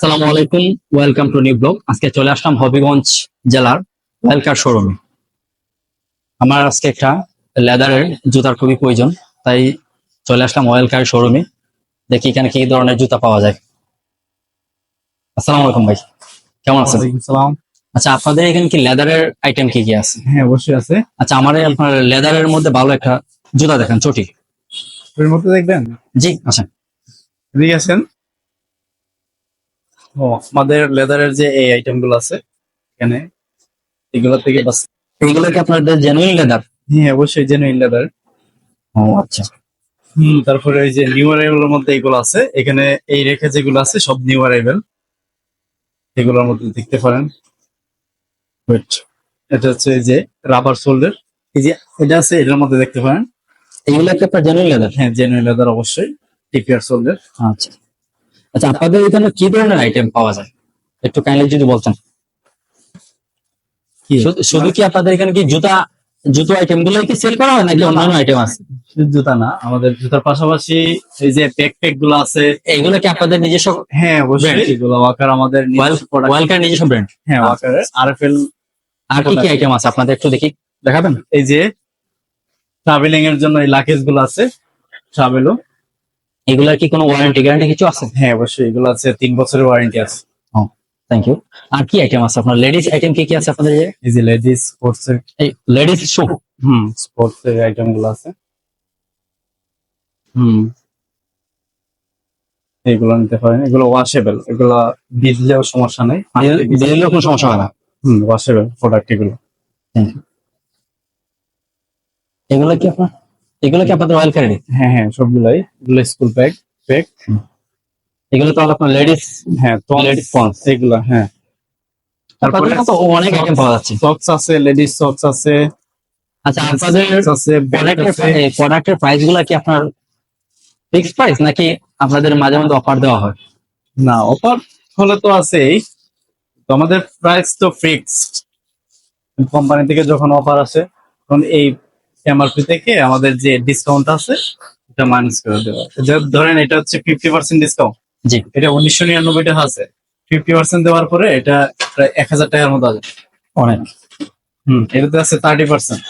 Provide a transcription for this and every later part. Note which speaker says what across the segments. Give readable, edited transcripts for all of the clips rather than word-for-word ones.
Speaker 1: আসসালামু আলাইকুম, welcome to new blog. আজকে চলে আসলাম হবিগঞ্জ জেলার ওয়েলকার শোরুমে। আমার আজকে একটা লেদারের জুতার খুবই প্রয়োজন, তাই চলে আসলাম ওয়েলকার শোরুমে। দেখি এখানে কি ধরনের জুতা পাওয়া যায়। আসসালামু আলাইকুম ভাই, কেমন আছেন?
Speaker 2: ওয়ালাইকুম সালাম।
Speaker 1: আচ্ছা, আপনাদের এখানে কি লেদারের আইটেম কি কি আছে?
Speaker 2: হ্যাঁ, অবশ্যই আছে।
Speaker 1: আচ্ছা, আমার আপনার লেদারের মধ্যে ভালো একটা জুতা দেখেন, চটি।
Speaker 2: এর মধ্যে দেখবেন।
Speaker 1: জি আচ্ছা।
Speaker 2: এদিকে আছেন। আমাদের লেদারের যে এই আইটেম গুলো আছে এখানে, এগুলো থেকে বাস।
Speaker 1: এইগুলো কি আপনাদের জেনুইন লেদার?
Speaker 2: হ্যাঁ, অবশ্যই জেনুইন লেদার।
Speaker 1: ও আচ্ছা।
Speaker 2: তারপরে এই যে নিউ অ্যারাইভেলের মধ্যে এগুলো আছে, এখানে এই রেখে যেগুলো আছে সব নিউ অ্যারাইভেল। এগুলোর মধ্যে দেখতে পারেন। Wait, এটা হচ্ছে এই যে রাবার সোল্ডার। এই যে এটা আছে, এটার মধ্যে দেখতে পারেন।
Speaker 1: এইগুলো কি আপনার জেনুইন লেদার?
Speaker 2: হ্যাঁ, জেনুইন লেদার অবশ্যই। টিপিআর সোল্ডার।
Speaker 1: আচ্ছা আচ্ছা, আপনাদের এখানে কি ধরনের আইটেম পাওয়া যায় একটু কাইন্ডলি যদি বলতেন।
Speaker 2: কি
Speaker 1: শুধু কি আপনাদের এখানে কি জুতো আইটেম গুলো কি সেল করা হয় নাকি অন্যান্য আইটেম আছে?
Speaker 2: শুধু জুতা না, আমাদের জুতার পাশাপাশি এই যে ব্যাকপ্যাক গুলো আছে।
Speaker 1: এগুলো কি আপনাদের নিজস্ব?
Speaker 2: হ্যাঁ, অবশ্যই।
Speaker 1: Brand?
Speaker 2: এগুলো ওয়াকার আমাদের নিজস্ব product।
Speaker 1: ওয়েলকার নিজস্ব ব্র্যান্ড?
Speaker 2: হ্যাঁ, ওয়াকার আরএফএল।
Speaker 1: আর কি কি আইটেম আছে আপনাদের একটু দেখি, দেখাবেন?
Speaker 2: এই যে ট্রাভেলিং এর জন্য এই লাকেজ গুলো আছে, ট্রাভেলও।
Speaker 1: এগুলার কি কোনো ওয়ারেন্টি গ্যারান্টি কিছু আছে?
Speaker 2: হ্যাঁ, অবশ্যই এগুলো আছে, 3 বছরের ওয়ারেন্টি আছে।
Speaker 1: Thank you. আর কি আইটেম আছে আপনার? লেডিস আইটেম কি কি আছে আপনাদের?
Speaker 2: এই যে লেডিস স্পোর্টস এর।
Speaker 1: এই লেডিস শু?
Speaker 2: স্পোর্টস এর আইটেম গুলো আছে। হুম এগুলো নিতে পারেন, এগুলো ওয়াশেবল, এগুলো ভিজলেও সমস্যা নেই।
Speaker 1: দিলেও কোনো সমস্যা হয় না?
Speaker 2: ওয়াশেবল প্রোডাক্ট এগুলো।
Speaker 1: Thank you. এগুলো কি আপনাদের ওয়েলকারেরই?
Speaker 2: হ্যাঁ হ্যাঁ, সবগুলাই। এগুলো স্কুল ব্যাগ ব্যাগ।
Speaker 1: এগুলো তো আপনার লেডিস?
Speaker 2: হ্যাঁ,
Speaker 1: লেডিস পন্স
Speaker 2: এগুলো। হ্যাঁ,
Speaker 1: তারপরে তো অনেক আইটেম পাওয়া যাচ্ছে।
Speaker 2: সক্স আছে, লেডিস সক্স আছে।
Speaker 1: আচ্ছা, আপনাদের
Speaker 2: আছে, বেল্ট আছে।
Speaker 1: প্রোডাক্টের প্রাইস গুলা কি আপনার ফিক্সড প্রাইস নাকি আপনাদের মাঝে মধ্যে অফার দেওয়া হয়?
Speaker 2: না, অফার হলে তো আছেই, তো আমাদের প্রাইস তো ফিক্সড। কোম্পানি থেকে যখন অফার আসে তখন এই এমআরপি থেকে আমাদের যে ডিসকাউন্ট আছে এটা মাইনাস করে দেওয়া। ধরেন এটা হচ্ছে 50% ডিসকাউন্ট।
Speaker 1: জি।
Speaker 2: এটা 1999 টাকা আছে। 50% দেওয়ার পরে এটা প্রায় 1000 টাকার মতো আছে।
Speaker 1: অনেক।
Speaker 2: এটাতে আছে 30%।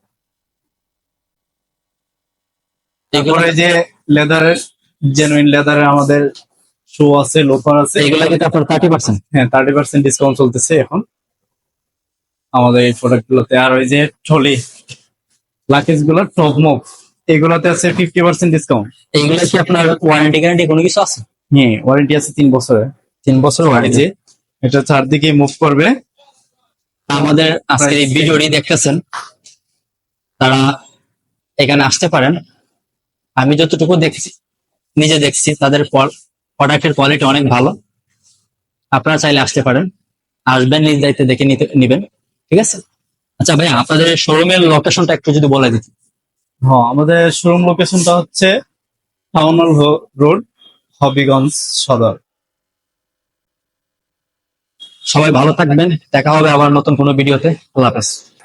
Speaker 2: এরপরে যে লেদারের, জেনুইন লেদারের আমাদের শু আছে, লোফার আছে।
Speaker 1: এগুলা কিন্তু আপনার 30%?
Speaker 2: হ্যাঁ, 30% ডিসকাউন্ট চলতেছে এখন আমাদের এই প্রোডাক্ট গুলোতে। আর ওই যে ট্রলি লাকেজ গুলো, টপ মুভ, এগুলাতে আছে 50% ডিসকাউন্ট।
Speaker 1: এগুলা কি আপনার ওয়ারেন্টি গ্যারান্টি কোনো কিছু আছে?
Speaker 2: হ্যাঁ, ওয়ারেন্টি আছে 3 বছরের।
Speaker 1: 3 বছর
Speaker 2: এই
Speaker 1: ওয়ারেন্টি?
Speaker 2: যে এটা চারদিকে মুভ করবে।
Speaker 1: আমাদের আজকের এই ভিডিওটি দেখতেছেন তারা এখানে আসতে পারেন। আমি যতটুকু দেখছি, নিজে দেখছি, তাদের প্রোডাক্টের কোয়ালিটি অনেক ভালো। আপনারা চাইলে আসতে পারেন, আসবেন, নিজ দায়িত্বে দেখে নিবেন, ঠিক আছে? আচ্ছা ভাই, আপনাদের শোরুমের লোকেশনটা একটু যদি বলে দিতেন।
Speaker 2: হ্যাঁ, আমাদের শোরুম লোকেশনটা হচ্ছে টাউন হল রোড, হবিগঞ্জ সদর।
Speaker 1: সবাই ভালো থাকবেন, দেখা হবে আবার নতুন কোনো ভিডিওতে। আল্লাহ হাফেজ।